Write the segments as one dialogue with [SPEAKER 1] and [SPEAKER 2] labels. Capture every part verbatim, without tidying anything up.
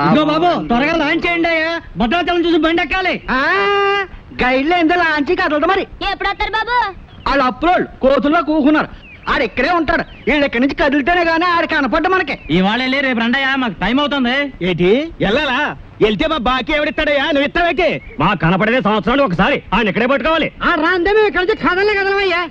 [SPEAKER 1] ఇదిగో బాబు త్వరగా లాంచ్ చేయండి అయ్యా, భద్రాచలం చూసి బండి ఎక్కాలి. గైడ్లో ఎంత లాంచ్ కదలదు మరి.
[SPEAKER 2] ఎప్పుడు వస్తారు బాబు?
[SPEAKER 1] వాళ్ళు అప్పులోళ్ళు కోతుల్లో కూకున్నారు. ఆడు ఇక్కడే ఉంటాడు. వీళ్ళు ఇక్కడి నుంచి కదిలితేనే గానీ ఆడు కనపడ్డ మనకి.
[SPEAKER 3] ఇవాళ వెళ్ళి రేపు రండయ్యా, మాకు టైం అవుతుంది.
[SPEAKER 1] ఏంటి వెళ్ళాలా? వెళ్తే మా బాకీ ఎవడిస్తాడయ్యా? నువ్వు ఇస్తావేకి?
[SPEAKER 3] మా కనపడేదే సంవత్సరాలు ఒకసారి, ఆయన ఇక్కడే పట్టుకోవాలి.
[SPEAKER 1] ఆ రాందే మేము ఇక్కడ నుంచి కదలే కదలమయ్యా.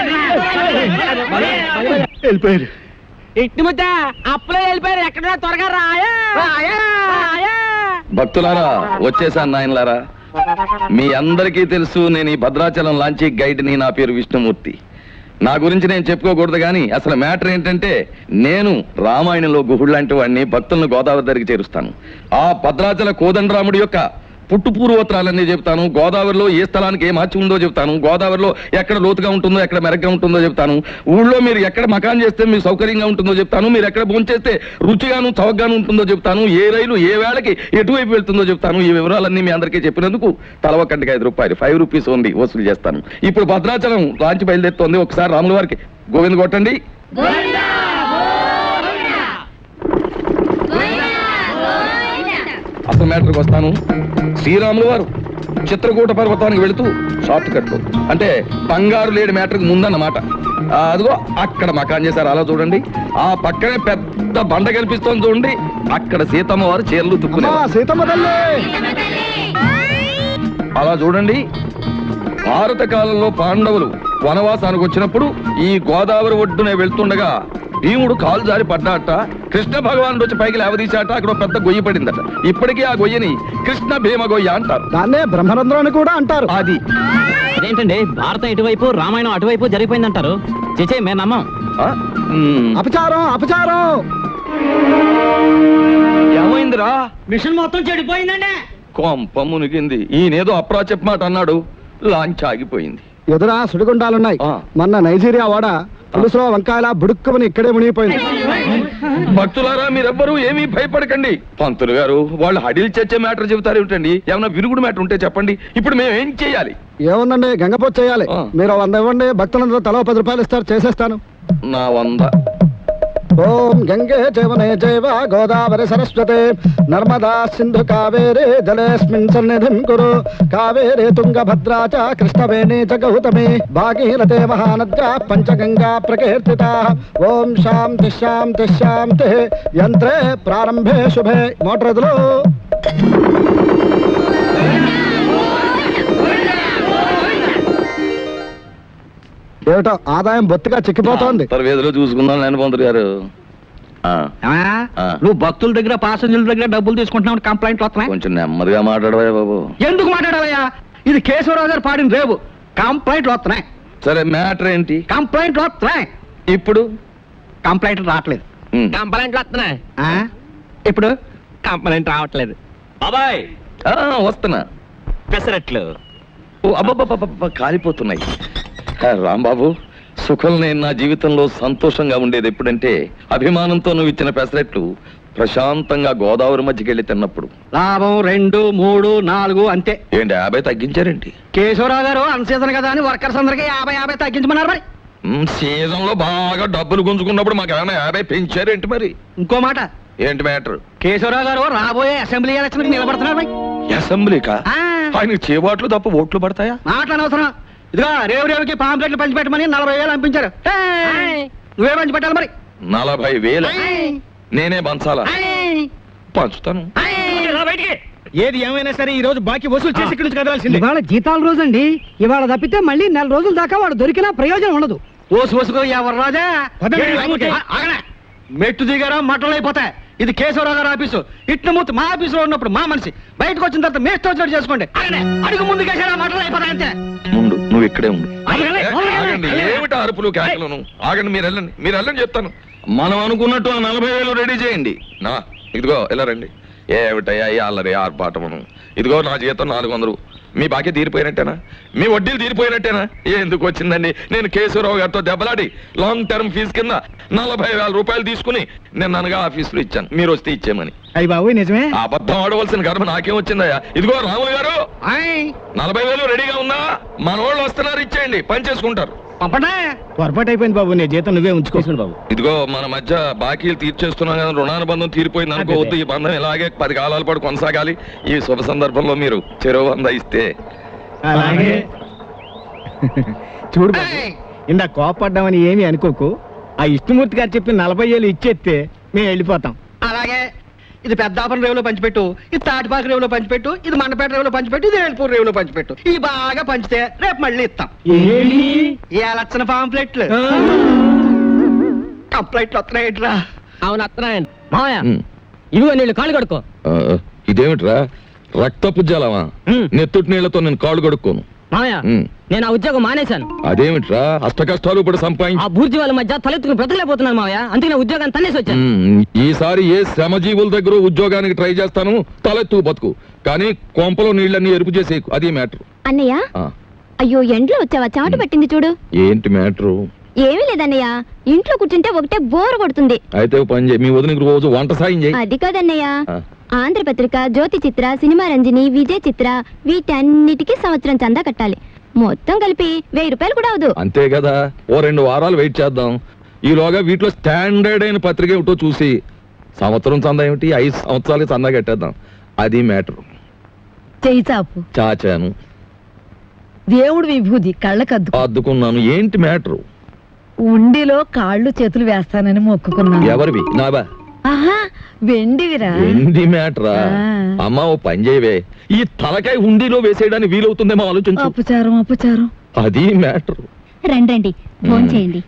[SPEAKER 1] వెళ్ళిపోయారు. ఇట్టి ముద్ద అప్పులో వెళ్ళిపోయారు. ఎక్కడ త్వరగా రాయా.
[SPEAKER 4] భక్తులారా, వచ్చేసాను నాయనలారా. మీ అందరికీ తెలుసు, నేను ఈ భద్రాచలం లాంచీ గైడ్ని. నా పేరు విష్ణుమూర్తి. నా గురించి నేను చెప్పుకోకూడదు కానీ అసలు మ్యాటర్ ఏంటంటే, నేను రామాయణంలో గుహుడు లాంటి వాడిని. భక్తులను గోదావరి దగ్గరికి చేరుస్తాను. ఆ భద్రాచల కోదండరాముడి యొక్క పుట్టు పూర్వోత్తరాలన్నీ చెప్తాను. గోదావరిలో ఏ స్థలానికి ఏ మార్చి ఉందో చెప్తాను. గోదావరిలో ఎక్కడ లోతుగా ఉంటుందో, ఎక్కడ మెరగ్గా ఉంటుందో చెప్తాను. ఊళ్ళో మీరు ఎక్కడ మకాన్ చేస్తే మీకు సౌకర్యంగా ఉంటుందో చెప్తాను. మీరు ఎక్కడ భోంచేస్తే రుచిగాను చౌకగాను ఉంటుందో చెప్తాను. ఏ రైలు ఏ వేళకి ఎటువైపు వెళ్తుందో చెప్తాను. ఈ వివరాలన్నీ మీ అందరికీ చెప్పినందుకు తల ఒక్కటికి ఐదు రూపాయలు ఫైవ్ రూపీస్ ఓన్లీ వసూలు చేస్తాను. ఇప్పుడు భద్రాచలం లాంచి బయలుదేరుతోంది. ఒకసారి రాముల వారికి గోవింద కొట్టండి. అసలు మ్యాటర్కి వస్తాను. శ్రీరాములు వారు చిత్రకూట పర్వతానికి వెళుతూ షార్ట్ కట్ అంటే బంగారు లేడి మ్యాటర్కి ముందన్నమాట. అదిగో అక్కడ మకాన్ చేశారు, అలా చూడండి. ఆ పక్కనే పెద్ద బండ కనిపిస్తోంది చూడండి. అక్కడ సీతమ్మ వారు చీరలు తుక్కునే సీతమ్మ తల్లి. అలా చూడండి. భారత కాలంలో పాండవులు వనవాసానికి వచ్చినప్పుడు ఈ గోదావరి ఒడ్డునే వెళ్తుండగా భీముడు కాలు జారి పడ్డాట. కృష్ణ భగవానుడు వచ్చి పైకి లేవదీశాట. అక్కడ పెద్ద గొయ్యి పడిందట. ఇప్పటికీ ఆ గొయ్యని కృష్ణ భీమ గొయ్య అంటారు. దాన్నే బ్రహ్మరంధ్రం అని కూడా అంటారు. అది
[SPEAKER 3] అదేంటండి, భారతం ఇటువైపు రామాయణం అటువైపు జరిగిపోయిందంటారు. చేచే మేము నమ్మం.
[SPEAKER 4] అపచారం అపచారం. ఏమైందిరా?
[SPEAKER 1] మిషన్ మొత్తం చెడిపోయిందండి.
[SPEAKER 4] కొంప మునిగింది. ఈయనేదో అప్రా చెప్పమాట అన్నాడు. లాంచ్ ఆగిపోయింది.
[SPEAKER 5] ఎదురా సుడిగుండాలున్నాయి. మొన్న నైజీరియా వాడ పులుసులో వంకాయల బుడుక్కుమని ఇక్కడే మునిగిపోయింది.
[SPEAKER 4] భక్తులారా, మీరెవ్వరూ ఏమీ భయపడకండి. పంతులు గారు వాళ్ళు హడిల్ చచ్చే మ్యాటర్ చెబుతారు ఏమిటండి? ఏమన్నా విరుగుడు మ్యాటర్ ఉంటే చెప్పండి. ఇప్పుడు మేము ఏం చేయాలి?
[SPEAKER 5] ఏముందండి, గంగపోతు చేయాలి. మీరు వంద ఇవ్వండి, భక్తులందరూ తలో పది రూపాయలు ఇస్తారు, చేసేస్తాను.
[SPEAKER 4] నా వంద.
[SPEAKER 5] ఓం గంగే జవనే జైవ గోదావరి సరస్వతే నర్మదా సింధు కావేరే జలేస్మిన్ సన్నిధిం కురు కావేరే తుంగభద్రా చ కృష్ణవేణి చ గౌతమి భాగీరథే మహానద్యా పంచగంగా ప్రకీర్తితా. ఓం శాంతి శాంతి శాంతి. యంత్రే ప్రారంభే శుభే. మోటార్ ఎదురు. ఏమిటో ఆదాయం బొత్తిగా చిక్కిపోతోంది.
[SPEAKER 4] వేదిలో చూసుకుందాం నేను పంతులు గారు.
[SPEAKER 1] నువ్వు భక్తుల దగ్గర పాసెంజర్ల దగ్గర డబ్బులు తీసుకుంటున్నావు, కంప్లైంట్లు వస్తున్నాయి.
[SPEAKER 4] కొంచెం నెమ్మదిగా మాట్లాడవయ్యా బాబు.
[SPEAKER 1] ఎందుకు మాట్లాడవయ్యా? ఇది కేశవరావు గారు పాడిన రేవు. కంప్లైంట్లు వస్తున్నాయి.
[SPEAKER 4] సరే మ్యాటర్ ఏంటి?
[SPEAKER 1] కంప్లైంట్లు వస్తున్నాయి.
[SPEAKER 4] ఇప్పుడు
[SPEAKER 1] కంప్లైంట్లు రావట్లేదు.
[SPEAKER 3] కంప్లైంట్లు వస్తున్నాయి.
[SPEAKER 1] ఇప్పుడు
[SPEAKER 3] కంప్లైంట్ రావట్లేదు. బాబాయ్
[SPEAKER 4] వస్తున్నా.
[SPEAKER 3] పెసరట్లు
[SPEAKER 4] అబ్బబ్బబ్బ కాలిపోతున్నాయి. రాంబాబు, సుఖం నేను నా జీవితంలో సంతోషంగా ఉండేది ఎప్పుడంటే అభిమానంతో నువ్వు ఇచ్చిన పెసరెట్లు ప్రశాంతంగా గోదావరి మధ్యకి వెళ్ళి తిన్నప్పుడు.
[SPEAKER 1] లాభం రెండు మూడు నాలుగు అంతే.
[SPEAKER 4] ఏంటి యాభై తగ్గించారేంటి?
[SPEAKER 1] కేశవరావు గారు అన్ సీజన్ కదా అని వర్కర్స్ అందరికీ యాభై యాభై తగ్గించమన్నారు. మరి
[SPEAKER 4] సీజన్ లో బాగా డబ్బులు గుంజుకున్నప్పుడు మాకు ఏమైనా యాభై పెంచారేంటి? మరి
[SPEAKER 1] ఇంకో మాట
[SPEAKER 4] ఏంటి మ్యాటర్?
[SPEAKER 1] కేశవరావు గారు రాబోయే అసెంబ్లీ ఎలక్షన్ నిలబడుతున్నారు.
[SPEAKER 4] అసెంబ్లీకా? ఆయనకి చేబాట్లు తప్ప ఓట్లు పడతాయా?
[SPEAKER 1] మాట్లాడనవసరం. ఇదిగో రేవు రేవుకి పాంప్లెట్లు పంచిపెట్టమని నలభై వేలు పంపించారు. నువ్వే పంచి పెట్టాలి. మరి
[SPEAKER 4] నలభై వేలు నేనే పంచాలా? పంచుతాను.
[SPEAKER 1] ఏది ఏమైనా సరే ఈ రోజు బాకీ వసూలు చేసి ఇక్కడి నుంచి కదలాల్సింది.
[SPEAKER 5] ఇవాళ జీతాల రోజు అండి. ఇవాళ తప్పితే మళ్ళీ నెల రోజుల దాకా వాడు దొరికినా ప్రయోజనం ఉండదు.
[SPEAKER 1] ఓసు వసుకో ఎవరు రాజా. మెట్టు దిగారా మట్టలు అయిపోతాయి. ఇది కేశవరావు గారు ఆఫీసు. ఇట్ల మూర్తి మా ఆఫీసులో ఉన్నప్పుడు మా మనిషి. బయటకు వచ్చిన తర్వాత మేస్తో వచ్చినట్టు చేసుకోండి. అడుగు ముందు కేసారా మట్టలు అయిపోతాయి అంతే.
[SPEAKER 4] ముందు నువ్వు ఇక్కడే ఉండు. ఏమిటి అరుపులు కేకలను? ఆగండి, మీరు వెళ్ళండి, మీరు వెళ్ళండి చెప్తాను. మనం అనుకున్నట్టు నలభై వేలు రెడీ చేయండి. నా ఇదిగో ఎలా రండి. ఏమిటయ్యా అల్లరి ఆర్పాటమును. ఇదిగో నా జీతం నాలుగు వందలు. మీ బాకీ తీరిపోయినట్టేనా? మీ వడ్డీలు తీరిపోయినట్టేనా? ఎందుకు వచ్చిందండి? నేను కేశవరావు గారితో దెబ్బలాడి లాంగ్ టర్మ్ ఫీజు కింద నలభై వేల రూపాయలు తీసుకుని నేను అనగా ఆఫీసులో ఇచ్చాను. మీరు వస్తే ఇచ్చేమని.
[SPEAKER 5] అయ్యి బాబు నిజమే.
[SPEAKER 4] అబద్ధం ఆడవలసిన కర్మ నాకేం వచ్చిందయ్యా? ఇదిగో రాములు గారు, నలభై వేలు రెడీగా ఉందా? మన వాళ్ళు వస్తున్నారు, ఇచ్చేయండి, పని చేసుకుంటారు.
[SPEAKER 1] పంపండి.
[SPEAKER 5] పొరపాటు అయిపోయింది బాబు, నీ జీతం నువ్వే ఉంచుకో.
[SPEAKER 3] బాబు
[SPEAKER 4] ఇదిగో మన మధ్య బాకీలు తీర్చేస్తున్నాం కదా, రుణానుబంధం తీరిపోయింది అనుకోవద్దు. ఈ బంధం ఇలాగే పది కాలాల పాటు కొనసాగాలి. ఈ శుభ సందర్భంలో మీరు చెరువు వంద ఇస్తే
[SPEAKER 5] అలాగే. చూడు బాబు,
[SPEAKER 1] ఏయ్!
[SPEAKER 5] ఇందా కోపడ్డామని ఏమీ అనుకోకు. ఆ విష్ణుమూర్తి గారు చెప్పి నలభై ఏళ్ళు ఇచ్చేస్తే మేము వెళ్ళిపోతాం.
[SPEAKER 1] అలాగే. ఇది పెద్దాపురం రేవులో పంచిపెట్టు, ఇది తాటిపాక రేవులో పంచిపెట్టు, ఇది మండపేట రేవులో పంచిపెట్టు, ఇది వేల్పూర్ రేవులో పంచిపెట్టు. ఈ బాగా పంచితే రేపు మళ్ళీ ఇస్తాం. ఏ లక్షణ పాంప్లెట్లు కంప్లైంట్లు వస్తున్నాయిట్రా.
[SPEAKER 3] అవును అత్తనాయన్ మావయ్య
[SPEAKER 4] ఉమ్.
[SPEAKER 3] ఇవిగో నీళ్ళు కాళ్ళు కడుక్కో.
[SPEAKER 4] ఆ, ఇదేమిట్రా రక్తపు జలమా?
[SPEAKER 3] ఉమ్.
[SPEAKER 4] నెత్తుటి నీళ్లతో నేను కాళ్ళు కడుక్కోను.
[SPEAKER 3] మావయ్య
[SPEAKER 4] ఉమ్.
[SPEAKER 3] నేను ఆ ఉద్యోగం మానేశాను.
[SPEAKER 4] అదేమిట్రా అష్ట కష్టాలు ఇప్పుడు సంపాదించి
[SPEAKER 3] ఆ బూర్జీ వాళ్ళ మధ్య తలెత్తుకుని బ్రతకలేకపోతున్నాను మావయ్య, అందుకే నా ఉద్యోగాన్ని తన్నేసి వచ్చాను.
[SPEAKER 4] ఉమ్, ఈసారి ఏ శ్రమజీవుల దగ్గర ఉద్యోగానికి ట్రై చేస్తాను, తలెత్తు బతుకు. కానీ కొంపలో నీళ్ళన్నీ ఎరుపు చేసేకు, అది మ్యాటర్.
[SPEAKER 2] అన్నయ్య అయ్యో ఎండ్లో వచ్చావా, చెమట పట్టింది చూడు.
[SPEAKER 4] ఏంటి మ్యాటరు?
[SPEAKER 2] ఏమీ లేదన్నయ్య, ఇంట్లో కూర్చుంటే ఒకటే బోర్ కొడుతుంది.
[SPEAKER 4] అయితే ఓ పని చేయి, మీ వదినకి రోజు వంట సాయం చేయి.
[SPEAKER 2] అది కాదన్నయ్య,
[SPEAKER 4] ఆ.
[SPEAKER 2] ఆంధ్రపత్రిక, జ్యోతి చిత్ర, సినిమా రంజని, విజయ్ చిత్ర వీటన్నిటికీ సంవత్సరం చందా కట్టాలి. మొత్తం కలిపి వెయ్యి రూపాయలు కూడా అవదు.
[SPEAKER 4] అంతే కదా, ఓ రెండు వారాలు వెయిట్ చేద్దాం. ఈలోగా వీటిలో స్టాండర్డ్ అయిన పత్రిక ఏమిటో చూసి సంవత్సరం చందా ఏమిటి, ఐదు సంవత్సరాలకి చందా కట్టేద్దాం. అది మ్యాటర్.
[SPEAKER 6] చేయి చాపు,
[SPEAKER 4] చాచాను,
[SPEAKER 6] దేవుడు విభూది కళ్ళకద్దు.
[SPEAKER 4] అద్దుకున్నాను. ఏంటి మ్యాటరు?
[SPEAKER 6] ఉండిలో కాళ్ళు చేతులు వేస్తానని మొక్కుకున్నాను.
[SPEAKER 4] ఎవరివి? నాబా?
[SPEAKER 6] ఆహా వెండివిరా.
[SPEAKER 4] ఏంది మ్యాటరా?
[SPEAKER 6] ఆ.
[SPEAKER 4] అమ్మా ఓ పని చేయవే, ఈ తలకాయ ఉండిలో వేసేయడానికి వీలవుతుందేమో ఆలోచించు.
[SPEAKER 6] అపచారం అపచారం.
[SPEAKER 4] అది మ్యాటరు.
[SPEAKER 2] రండి రండి ఫోన్ చేయండి.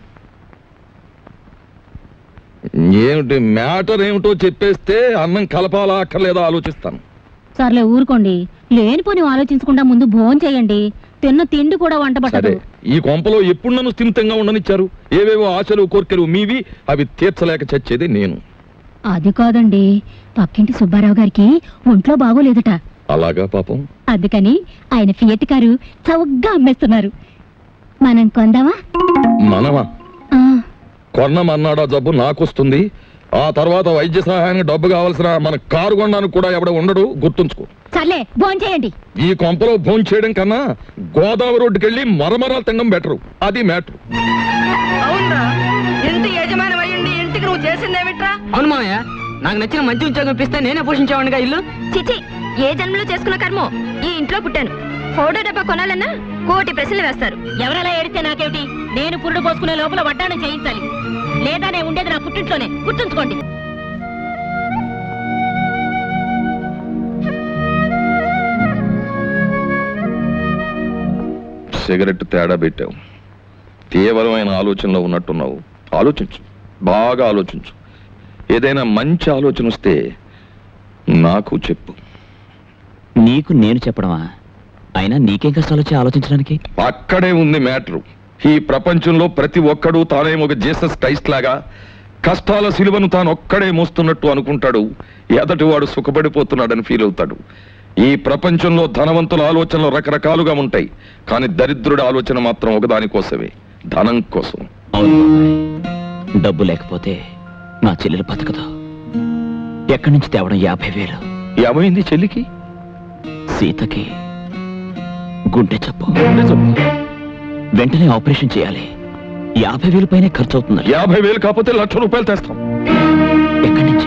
[SPEAKER 4] ఏమిటి మ్యాటర్ ఏమిటో చెప్పేస్తే అన్నం కలపాలా అక్కర్లేదా ఆలోచిస్తాను.
[SPEAKER 2] సర్లే ఊరుకోండి, లేనిపోని ఆలోచించకుండా ముందు భోజనం చేయండి. తిన్న తిండి కూడా వంట
[SPEAKER 4] సరే,
[SPEAKER 2] పట్టదు.
[SPEAKER 4] ఈ కొంపలో ఎప్పుడు నన్ను స్థిమితంగా ఉండనిచ్చారు? ఏవేవో ఆశలు కోర్కెలు మీవి, అవి తీర్చలేక చచ్చేది నేను.
[SPEAKER 2] అది కాదండి, పక్కింటి సుబ్బారావు గారికి ఒంట్లో బాగోలేదట.
[SPEAKER 4] అలాగా పాపం.
[SPEAKER 2] అందుకని ఆయన ఫియట్ కారు చౌకగా అమ్మేస్తున్నారు. మనం కొందామా?
[SPEAKER 4] మనమా?
[SPEAKER 2] ఆ,
[SPEAKER 4] కొన్నమన్నాడా జబ్బు నాకొస్తుంది. ఆ తర్వాత వైద్య సహాయానికి డబ్బు కావలసిన మన కారు కొనడానికి కూడా ఎవడ ఉండడు, గుర్తుంచుకో.
[SPEAKER 2] సర్లే భోజనం చేయండి.
[SPEAKER 4] ఈ కొంపలో భోంచేయడం చేయడం కన్నా గోదావరి రోడ్డుకెళ్ళి మరమరాలు తినడం బెటరు. అది మ్యాటర్.
[SPEAKER 3] అవునరా, ఇంటి యజమాని అయ్యుండి ఇంటికి నువ్వు చేసిందేమిట్రా? అవును మావయ్య, నాకు నచ్చిన మంచి ఉద్యోగం ఇప్పిస్తే నేనే పోషించేవాడిగా ఇల్లు.
[SPEAKER 2] చిచి, ఏ జన్మలో చేసుకున్న కర్మో ఈ ఇంట్లో పుట్టాను. ఫోటో డబ్బా కొనాలన్నా కోటి ప్రశ్నలు వేస్తారు. ఎవరలా ఏడితే నాకేమిటి? నేను పురుడు పోసుకునే లోపల వడ్డాణం చేయించాలి, లేదా నేను ఉండేది నా పుట్టింట్లోనే, గుర్తుంచుకోండి.
[SPEAKER 4] సిగరెట్ తేడా పెట్టావు. తీవ్రమైన ఆలోచనలో ఉన్నట్టున్నావు. ఆలోచించు, బాగా ఆలోచించు. ఏదైనా మంచి ఆలోచన వస్తే నాకు చెప్పు.
[SPEAKER 3] నీకు నేను చెప్పడమా? అయినా నీకేం కష్టాలు వచ్చి ఆలోచించడానికి?
[SPEAKER 4] అక్కడే ఉంది మ్యాటరు. ఈ ప్రపంచంలో ప్రతి ఒక్కడూ తానేమో ఒక జీసస్ క్రైస్ట్ లాగా కష్టాల సిలువను తాను ఒక్కడే మోస్తున్నట్టు అనుకుంటాడు. ఎదటి వాడు సుఖపడిపోతున్నాడని ఫీల్ అవుతాడు. ఈ ప్రపంచంలో ధనవంతుల ఆలోచనలు రకరకాలుగా ఉంటాయి, కానీ దరిద్రుడి ఆలోచన మాత్రం ఒకదానికోసమే, ధనం కోసం.
[SPEAKER 3] అవును బాబాయ్, డబ్బు లేకపోతే నా చెల్లెలు బతకదు. ఎక్కడి నుంచి తేవడం? యాభై వేలు.
[SPEAKER 4] ఏమైంది చెల్లికి?
[SPEAKER 3] సీతకి గుండె జబ్బు. వెంటనే ఆపరేషన్ చేయాలి. యాభై వేలు పైనే ఖర్చు అవుతుంది.
[SPEAKER 4] యాభై వేలు కాకపోతే లక్ష రూపాయలు తెస్తాం.
[SPEAKER 3] ఎక్కడి నుంచి?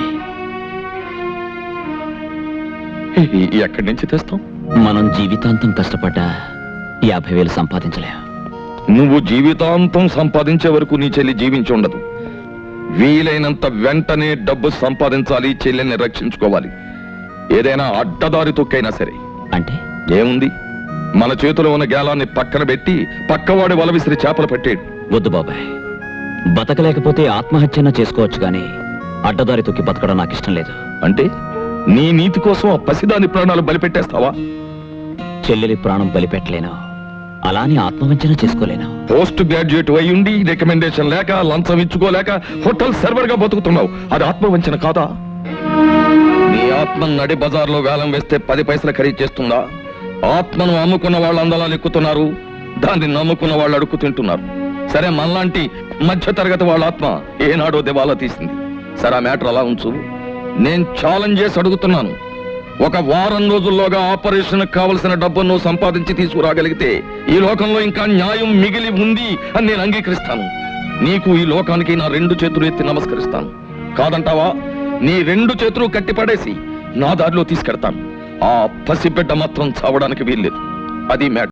[SPEAKER 4] ఈ- ఎక్కడి నుంచి తెస్తాం?
[SPEAKER 3] మనం జీవితాంతం కష్టపడ్డా యాభై వేలు సంపాదించలేం.
[SPEAKER 4] నువ్వు జీవితాంతం సంపాదించే వరకు నీ చెల్లి జీవించి ఉండదు. వీలైనంత వెంటనే డబ్బు సంపాదించాలి, చెల్లెల్ని రక్షించుకోవాలి. ఏదైనా అడ్డదారి తొక్కైనా సరే.
[SPEAKER 3] అంటే
[SPEAKER 4] ఏముంది, మన చేతిలో ఉన్న గేలాన్ని పక్కన పెట్టి పక్కవాడి వల విసిరి చేపలు పెట్టేడు.
[SPEAKER 3] వద్దు బాబాయ్, బతకలేకపోతే ఆత్మహత్యన చేసుకోవచ్చు, కానీ అడ్డదారి తొక్కి బతకడం నాకు ఇష్టం లేదు.
[SPEAKER 4] అంటే నీ నీతి కోసం ఆ పసిదాని ప్రాణాలు బలిపెట్టేస్తావా?
[SPEAKER 3] చెల్లెలి ప్రాణం బలిపెట్టలేను, అలానే ఆత్మవంచన చేసుకోలేను.
[SPEAKER 4] పోస్ట్ గ్రాడ్యుయేట్ అయి ఉండి రికమెండేషన్ లేక లంచం ఇచ్చుకోలేక హోటల్ సర్వర్ గా బతుకుతున్నావు. అది ఆత్మవంచన కాదా? నీ ఆత్మ నడి బజార్లో వేలం వేస్తే పది పైసలు ఖరీదు చేస్తుందా? ఆత్మను అమ్ముకున్న వాళ్ళు అందలా ఎక్కుతున్నారు, దాన్ని నమ్ముకున్న వాళ్ళు అడుక్కు తింటున్నారు. సరే, మనలాంటి మధ్య తరగతి వాళ్ళ ఆత్మ ఏనాడో దివాలా తీసింది. సరే, ఆ మ్యాటర్ అలా ఉంచు. నేను ఛాలెంజ్ చేసి అడుగుతున్నాను, ఒక వారం రోజుల్లోగా ఆపరేషన్ కావలసిన డబ్బును నువ్వు సంపాదించి తీసుకురాగలిగితే ఈ లోకంలో ఇంకా న్యాయం మిగిలి ఉంది అని నేను అంగీకరిస్తాను. నీకు ఈ లోకానికి నా రెండు చేతులు ఎత్తి నమస్కరిస్తాను. కాదంటావా? నీ రెండు చేతులు కట్టిపడేసి నా దారిలో తీసుకెడతాను. ఆ పసిబిడ్డ మాత్రం చావడానికి వీల్లేదు. అది మ్యాటర్.